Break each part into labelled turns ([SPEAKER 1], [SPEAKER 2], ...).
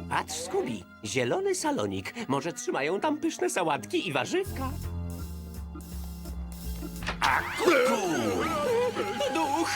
[SPEAKER 1] Patrz, Scooby, zielony salonik. Może trzymają tam pyszne sałatki i warzywka. A kuku! Duch!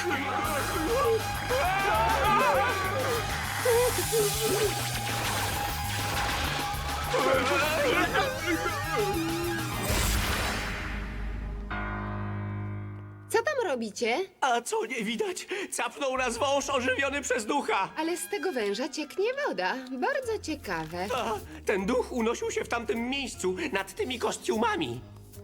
[SPEAKER 2] Co tam robicie?
[SPEAKER 1] A co nie widać? Capnął nas wąż ożywiony przez ducha.
[SPEAKER 2] Ale z tego węża cieknie woda. Bardzo ciekawe.
[SPEAKER 1] A, ten duch unosił się w tamtym miejscu, nad tymi kostiumami.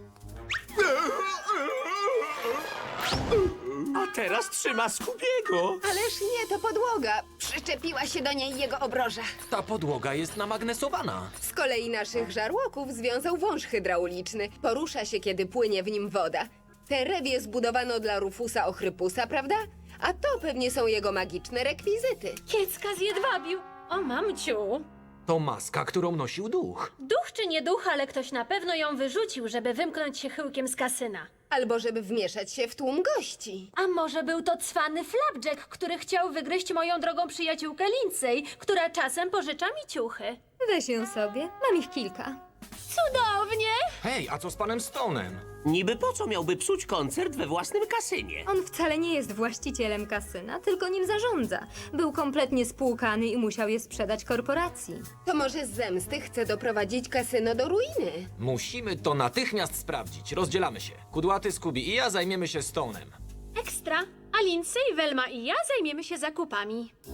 [SPEAKER 1] A teraz trzyma Scoobiego.
[SPEAKER 2] Ależ nie, to podłoga. Przyczepiła się do niej jego obroża.
[SPEAKER 3] Ta podłoga jest namagnesowana.
[SPEAKER 2] Z kolei naszych żarłoków związał wąż hydrauliczny. Porusza się, kiedy płynie w nim woda. Te rewie zbudowano dla Rufusa Ochrypusa, prawda? A to pewnie są jego magiczne rekwizyty.
[SPEAKER 4] Kiecka zjedwabił. O, mamciu.
[SPEAKER 3] To maska, którą nosił duch.
[SPEAKER 4] Duch czy nie duch, ale ktoś na pewno ją wyrzucił, żeby wymknąć się chyłkiem z kasyna.
[SPEAKER 2] Albo żeby wmieszać się w tłum gości.
[SPEAKER 4] A może był to cwany Flapjack, który chciał wygryźć moją drogą przyjaciółkę Lindsay, która czasem pożycza mi ciuchy.
[SPEAKER 5] Weź ją sobie, mam ich kilka.
[SPEAKER 4] Cudownie!
[SPEAKER 3] Hej, a co z panem Stonem?
[SPEAKER 1] Niby po co miałby psuć koncert we własnym kasynie?
[SPEAKER 5] On wcale nie jest właścicielem kasyna, tylko nim zarządza. Był kompletnie spłukany i musiał je sprzedać korporacji.
[SPEAKER 2] To może z zemsty chce doprowadzić kasyno do ruiny.
[SPEAKER 3] Musimy to natychmiast sprawdzić. Rozdzielamy się. Kudłaty, Scooby i ja zajmiemy się Stonem.
[SPEAKER 4] Ekstra! A Lindsay, Velma i ja zajmiemy się zakupami.